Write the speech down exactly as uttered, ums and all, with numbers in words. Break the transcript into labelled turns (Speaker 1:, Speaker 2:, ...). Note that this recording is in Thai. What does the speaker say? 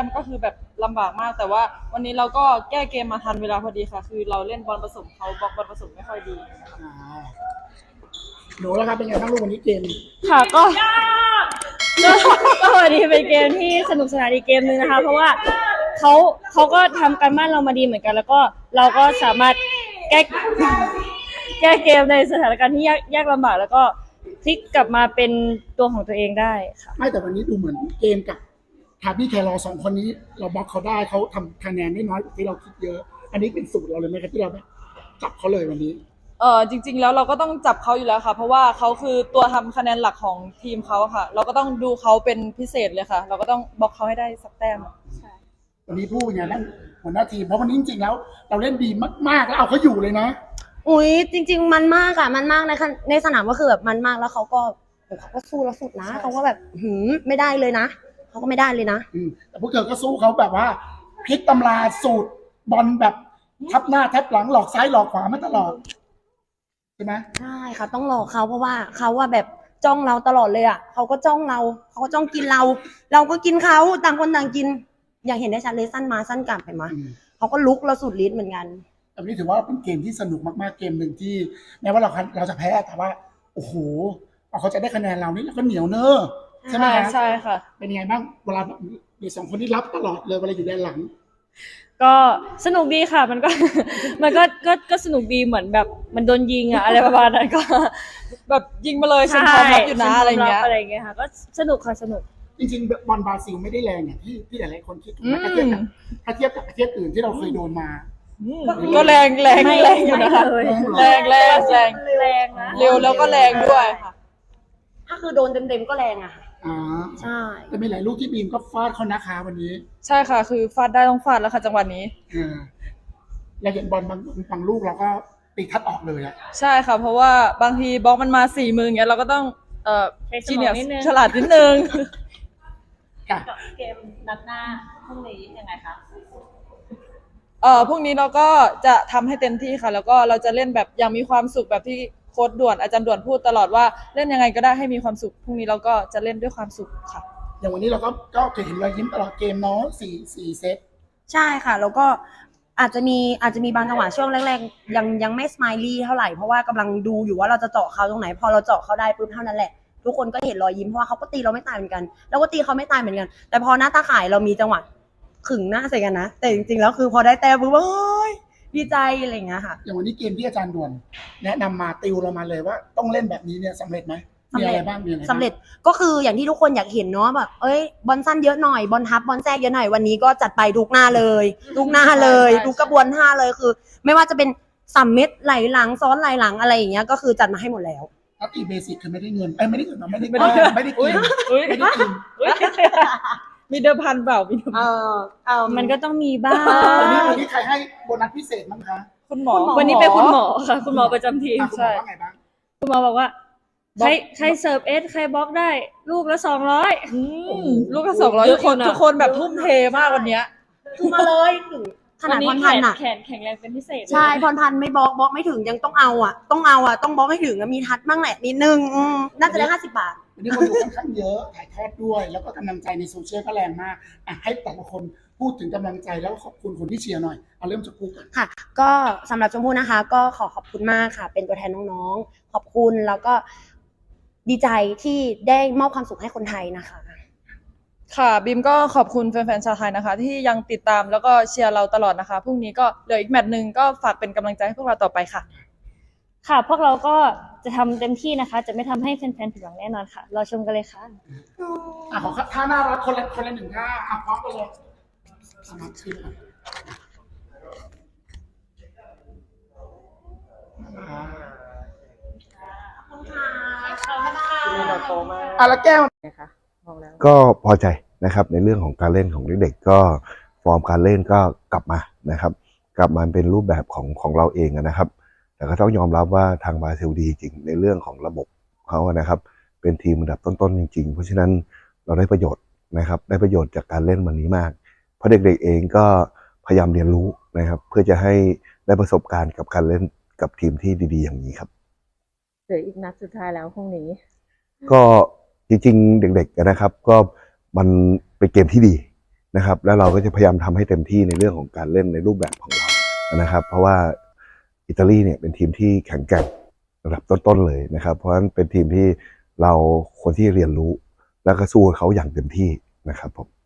Speaker 1: มก็คือแบบลำบากมากแต่ว่าวันนี้เราก็แก้เกมมาทันเวลาพอดีค่ะคือเราเล่นบอลผสมเขาบล็อกบอลผสมไม่ค่อยดี
Speaker 2: อ่าหนูแล้วครับเป็นไงบ้างลูกวันนี้เกม
Speaker 3: ค่ะก็ก็ก็วันนี้เป็นเกมที่สนุกสนานอีกเกมนึงนะคะเพราะว่าเขาเขาก็ทำการบ้านเรามาดีเหมือนกันแล้วก็เราก็สามารถแก้แก้เกมในสถานการณ์ที่ยากยากลำบากแล้วก็พลิกกลับมาเป็นตัวของตัวเองได้ค่ะ
Speaker 2: ไม่แต่วันนี้ดูเหมือนเกมกับทาบี้แครอสองคนนี้เราบล็อกเขาได้เขาทำคะแนนได้น้อยกว่าที่เราคิดเยอะอันนี้เป็นสูตรเราเลยไหมครับที่เราแบบจับเขาเลยวันนี้
Speaker 1: เออจริงๆแล้วเราก็ต้องจับเขาอยู่แล้วค่ะเพราะว่าเขาคือตัวทำคะแนนหลักของทีมเขาค่ะเราก็ต้องดูเขาเป็นพิเศษเลยค่ะเราก็ต้องบล็อกเขาให้ได้สักแต้ม
Speaker 2: วันนี้พูดอย่างนั้นหัวหน้าทีมเพราะวันนี้จริงๆแล้วเราเล่นดีมากๆแล้วเอาเขาอยู่เลยนะ
Speaker 4: อุ้ยจริงๆมันมากอะมันมากในในสนามก็คือแบบมันมากแล้วเขาก็เขาก็สู้แล้วสุดนะเขาก็แบบหืมไม่ได้เลยนะเขาก็ไม่ได้เลยนะ
Speaker 2: แต่พวกเธอก็สู้เขาแบบว่าพลิกตำราสูตรบอลแบบทับหน้าทับหลังหลอกซ้ายหลอกขวามาตลอดใช่ไหม
Speaker 4: ใช่ค่ะต้องหลอกเขาเพราะว่าเขาว่าแบบจ้องเราตลอดเลยอะเขาก็จ้องเราเขาก็จ้องกินเราเราก็กินเขาต่างคนต่างกินอย่างเห็นได้ชัดเลยสั้นมาสั้นกลับไปมาเขาก็ลุกเราสุดฤทธิ์เหมือนกัน
Speaker 2: อันนี้ถือว่าเป็นเกมที่สนุกมากๆเกมหนึ่งที่แม้ว่าเราเราจะแพ้แต่ว่าโอ้โหเขาจะได้คะแนนเรานี่เราก็เหนียวเนอะใช่ไหม
Speaker 1: ใช่ค่ะ
Speaker 2: เป็นยังไงบ้างเวลาเด็กสองคนที่รับตลอดเลยเวลาอยู่ด้านหลัง
Speaker 3: ก็สนุกดีค่ะมันก็มันก็ก็ก็สนุกดีเหมือนแบบมันโดนยิงอะอะไรประมาณนั้นก็
Speaker 1: แบบยิงมาเลยฉันพร้อมรับอยู่นะอะไรเงี้ย
Speaker 3: อะไรเงี้ยค่ะก็สนุกค่ะสนุก
Speaker 2: จริงๆบอลบราซิลไม่ได้แรงอย่างที่ที่หลายๆคนคิดถูกไหมถ้าเทียบกับถ้าเทียบกับประเทศอื่นที่เราเคยโดนมา
Speaker 1: ก็แรงแรงแรงอยู่นะคะแรงแรงแรง
Speaker 3: แรงนะ
Speaker 1: เร็วแล้วก็แรงด้วยค่ะ
Speaker 4: ถ้าคือโดนเต็มๆก็แรงอะค่ะ
Speaker 2: อ๋อ
Speaker 4: ใช่
Speaker 2: แต่มีหลายลูกที่บีมก็ฟาดเขานะคะวันนี้
Speaker 1: ใช่ค่ะคือฟาดได้ต้องฟาดแล้วค่ะจังหวะนี้
Speaker 2: เราเห็นบอลบางบางลูกเราก็ตีทัดออกเลยอะ
Speaker 1: ใช่ค่ะเพราะว่าบางทีบล็อกมันมาสี่มืออย่างเงี้ยเราก็ต้องเอ่อ
Speaker 3: จีเนียส
Speaker 1: ฉลาดนิดนึง
Speaker 3: เกมนัดหน้าพรุ่งนี้ยังไงคะ
Speaker 1: เอ่อพรุ่งนี้เราก็จะทำให้เต็มที่ค่ะแล้วก็เราจะเล่นแบบอย่างมีความสุขแบบที่โค้ชด่วนอาจารย์ด่วนพูดตลอดว่าเล่นยังไงก็ได้ให้มีความสุขพรุ่งนี้เราก็จะเล่นด้วยความสุขค่ะ
Speaker 2: อย่างวันนี้เราก็ก็จะเห็นรอยยิ้มตลอดเกมเนาะสี่สี่เซต
Speaker 4: ใช่ค่ะแล้วก็อาจจะมีอาจจะมีบางจังหวะช่วงแรกๆยังยังไม่สไมลี่เท่าไหร่เพราะว่ากำลังดูอยู่ว่าเราจะเจาะเขาตรงไหนพอเราเจาะเขาได้ปุ๊บเท่านั้นแหละทุกคนก็เห็นรอยยิ้มเพราะว่าเขาก็ตีเราไม่ตายเหมือนกันแล้วก็ตีเขาไม่ตายเหมือนกันแต่พอหน้าตาข่ายเรามีจังหวะขึงหน้าใส่กันนะแต่จริงๆแล้วคือพอได้แต้มปุ๊บเฮ้ยดีใจอะไรอย่างเงี้ยค่ะ
Speaker 2: อย่างวันนี้เกมที่อาจารย์ด่วนแนะนำมาติวเรามาเลยว่าต้องเล่นแบบนี้เนี่ยสำเร็จไหมมีอะไรบ้างมีอะไร
Speaker 4: สำเร็จก็คืออย่างที่ทุกคนอยากเห็นเนาะแบบเอ้ยบอลสั้นเยอะหน่อยบอลทับบอลแทรกเยอะหน่อยวันนี้ก็จัดไปทุกหน้าเลยทุกหน้าเลยทุกกระบวนท่าเลยคือไม่ว่าจะเป็นสามเม็ดไหลหลังซ้อนไหลหลังอะไรอย่างเงี้ยก็คือจัดมาให้หมดแล้ว
Speaker 2: ถ้าตีเบสิกคือไม่ได้เงินไอ้ไม่ได้เงินไม่ได้ไม่ได้ไม่ได้กินไม่ได้กิน
Speaker 1: มีเดิมพันเปล่ามีเดิม
Speaker 4: เออเออ
Speaker 3: มันก็ต้องมีบ้าง
Speaker 2: วันนี้วันนี้ใครให้โบนัสพิเศษมั้งคะ
Speaker 1: คุณหมอ
Speaker 3: วันนี้เป็นคุณหมอค่ะคุณหมอประจำทีม
Speaker 2: ใช่
Speaker 3: คุณหมอบอกว่าใครใครเสิร์ฟเอสใครบล็อกได้ลูกละสองร้อย
Speaker 1: ลูกละสองร้อยทุกคนทุกคนแบบทุ่มเทมากวันนี้
Speaker 4: คือมาเลยถึงขนาดพรพันธ์อะ
Speaker 3: แขนแข็งแรงเป็นพิเศษ
Speaker 4: ใช่พรพันธ์ไม่บล็อกบล็อกไม่ถึงยังต้องเอาอ่ะต้องเอาอ่ะต้องบล็อกให้ถึงมีทัดบ้างแหละนิดนึงน่าจะได้ห้าสิบบาท
Speaker 2: วันนี้คนดูค่อนข้างเยอะถ่ายทอดด้วยแล้วก็กำลังใจในโซเชียลก็แรงมากอ่ะให้แต่ละคนพูดถึงกำลังใจแล้วขอบคุณคนที่เชียร์หน่อยเอาเริ่มจากพูดกัน
Speaker 4: ค่ะก็สำหรับชมพู่นะคะก็ขอขอบคุณมากค่ะเป็นตัวแทนน้องๆขอบคุณแล้วก็ดีใจที่ได้มอบความสุขให้คนไทยนะคะ
Speaker 1: ค่ะบิมก็ขอบคุณแฟนๆชาวไทยนะคะที่ยังติดตามแล้วก็เชียร์เราตลอดนะคะพรุ่งนี้ก็เหลืออีกแมตช์นึงก็ฝากเป็นกำลังใจให้พวกเราต่อไปค่ะ
Speaker 3: ค่ะพวกเราก็จะทำเต็มที่นะคะจะไม่ทำให้แฟนๆผิดหวังแน่นอนค่ะรอชมกันเลยค่ะ
Speaker 2: อ่ะขอท่าหน้ารักคนละคนละหนึ่งท่าอ่ะพร้อมกันเลยสมัครชื่ออ่ะแล้วแก้วนะคะ
Speaker 5: ก็พอใจนะครับในเรื่องของการเล่นของเด็กๆก็ฟอร์มการเล่นก็กลับมานะครับกลับมาเป็นรูปแบบของของเราเองนะครับแต่ก็ต้องยอมรับว่าทางบราซิลดีจริงในเรื่องของระบบเขานะครับเป็นทีมระดับต้นๆจริงๆเพราะฉะนั้นเราได้ประโยชน์นะครับได้ประโยชน์จากการเล่นวันนี้มากเพราะเด็กๆเองก็พยายามเรียนรู้นะครับเพื่อจะให้ได้ประสบการณ์กับการเล่นกับทีมที่ดีๆอย่างนี้ครับ
Speaker 6: เหลืออีกนัดสุดท้ายแล้วพรุ่งนี้
Speaker 5: ก็จริงๆเด็กๆนะครับก็มันเป็นเกมที่ดีนะครับแล้วเราก็จะพยายามทำให้เต็มที่ในเรื่องของการเล่นในรูปแบบของเรานะครับเพราะว่าอิตาลีเนี่ยเป็นทีมที่แข็งแกร่งระดับต้นๆเลยนะครับเพราะฉะนั้นเป็นทีมที่เราควรที่เรียนรู้แล้วก็สู้เขาอย่างเต็มที่นะครับผม